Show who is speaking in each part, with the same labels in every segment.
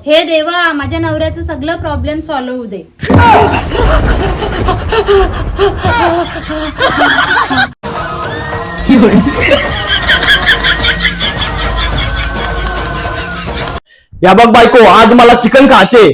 Speaker 1: हे देवा, माझ्या नवऱ्याचं सगळं प्रॉब्लेम सॉल्व्ह होऊ दे.
Speaker 2: या बघ बायको, आज मला चिकन खायचे.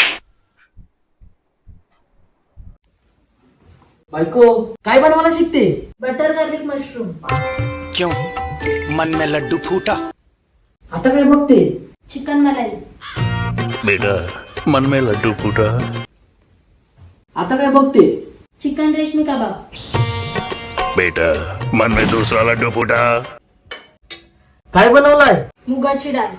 Speaker 3: बायको काय बनवायला शिकते?
Speaker 1: Butter garlic mushroom.
Speaker 4: क्यों मन में लड्डू फूटा?
Speaker 3: आता काय बघते?
Speaker 1: चिकन मलाई.
Speaker 4: बेटा मन में लड्डू फूटा.
Speaker 3: आता काय बघते?
Speaker 1: चिकन रेशमी कबाब.
Speaker 4: बेटा मन में दूसरा लड्डू फूटा.
Speaker 3: काय बनवलाय?
Speaker 1: मुगाची डाळ.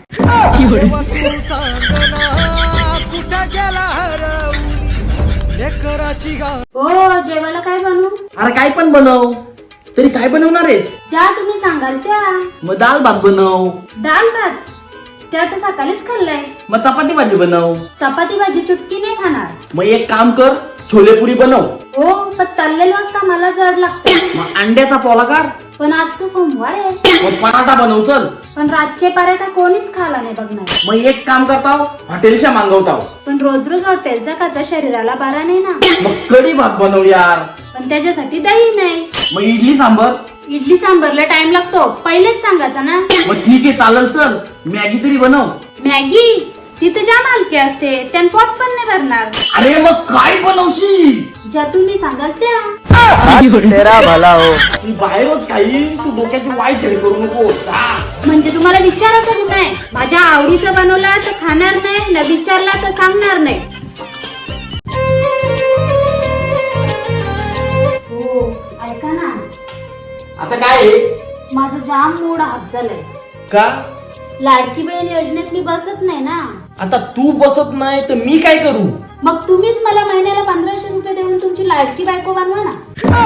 Speaker 1: हो, जेवायला काय बनवू?
Speaker 3: अरे काय पण बनव. तरी काय बनवणार आहेस?
Speaker 1: ज्या तुम्ही सांगाल त्या.
Speaker 3: मग दाल भात बनव.
Speaker 1: डाळ भात त्या तर सकाळीच खाल्लाय.
Speaker 3: मग चपाती भाजी बनव.
Speaker 1: चपाती भाजी चुटकी नाही खाणार.
Speaker 3: मग एक काम कर, छोले पुरी बनव.
Speaker 1: हो, पण तळलेलं असता मला जड लागतं.
Speaker 3: मग अंड्याचा पोला कर.
Speaker 1: पण आज तर सोमवार आहे.
Speaker 3: मग पराठा बनव चल.
Speaker 1: पण रातचे पराठा कोणीच खाला नाही बघणार.
Speaker 3: मग एक काम करताव, हॉटेलच्या मागवताव.
Speaker 1: पण रोज रोज हॉटेलचा खाचा शरीराला बरा नाही ना.
Speaker 3: मग कढी भात बनव यार.
Speaker 1: पण त्याच्यासाठी दही नाही.
Speaker 3: मग इडली सांबर.
Speaker 1: इडली सांबरला टाइम लागतो, पहिलेच सांगायचं ना.
Speaker 3: मग ठीक आहे चालेल, चल मॅगी तरी बनव.
Speaker 1: मॅगी तिथे जाम हलकी असते, त्यान पोट पण नाही भरणार.
Speaker 3: अरे मग काय बनवशी?
Speaker 1: ज्या तुम्ही सांगाल त्या.
Speaker 2: तेरा भला हो.
Speaker 3: मी बाहेरच खाईन, तू डोक्याची वाय सेड करू नको.
Speaker 1: म्हणजे तुम्हाला विचारायचं नाही, माझ्या आवडीचं बनवला तर खाणार नाही, न विचारला तर सांगणार नाही. हो, ऐका ना,
Speaker 3: आता काय आहे?
Speaker 1: माझं जाम मूड हाफ झालंय.
Speaker 3: का?
Speaker 1: लाडकी बहीण योजनेत मी बसत नाही ना.
Speaker 3: आता तू बसत नाही तर मी काय करू?
Speaker 1: मग तुम्हीच मला महिन्याला 1500 रुपये देऊन तुमची लाडकी बायको बनवा ना.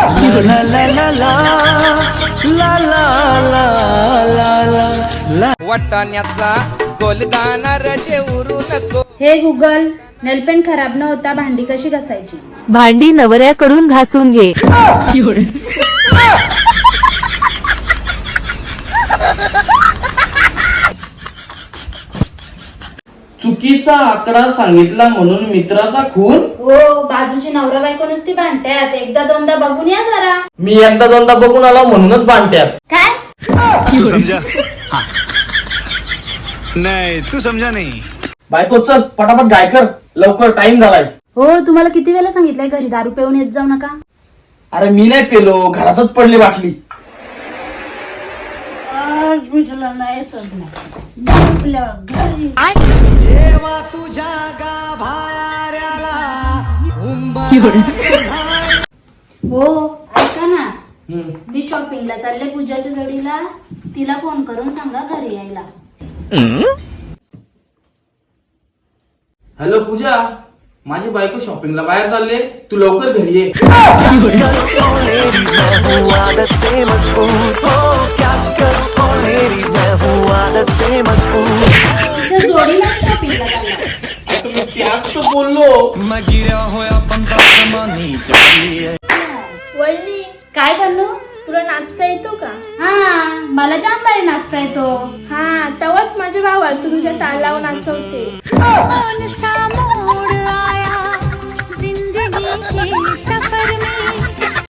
Speaker 5: वाटाण्याचा गोलदाना रजे उरू नको.
Speaker 1: हे गुगल, नेलपेन खराब न होता भांडी कशी घासायची?
Speaker 6: भांडी नवऱ्याकडून घासून घे.
Speaker 3: चुकीचा आकडा सांगितला म्हणून मित्राचा खून.
Speaker 1: हो, बाजूची नवरा बायको नुसती भांडत्यात, एकदा दोनदा बघून या जरा.
Speaker 3: मी एकदा दोनदा बघून आला म्हणूनच भांडत्यात.
Speaker 1: काय?
Speaker 4: तू समझा? हाँ. नहीं तू समझा नहीं.
Speaker 3: बायको चल पटापट गाय कर, लवकर टाइम झालाय.
Speaker 1: हो, तुम्हाला किती वेळा सांगितलंय घरी दारू पिऊन येत जाऊ नका.
Speaker 3: अरे मी नाही पेलो, घरातच पडली बाटली.
Speaker 5: देवा तुझ्या गाभाऱ्याला
Speaker 1: हो, ऐका ना, मी शॉपिंगला चालले पूजाच्या जोडीला. तिला फोन करून सांगा घरी यायला.
Speaker 3: हॅलो पूजा, माझी बायको शॉपिंगला बाहेर चालले, तू लवकर घरी ये.
Speaker 1: तुझ्या जोडीला शॉपिंगला चालला.
Speaker 3: आता मी त्याच तर बोललो.
Speaker 5: मैं गिरा होया बंदा जमानी चली है.
Speaker 1: वहिनी, काय बनू? तुला नाचता येतो का? हा, मला जाम भारी नाचता येतो.
Speaker 7: हा, तेव्हाच माझ्या भावाला तू तुझ्या तालावर नाचवते.
Speaker 6: कौन सा मोड़ आया जिंदगी की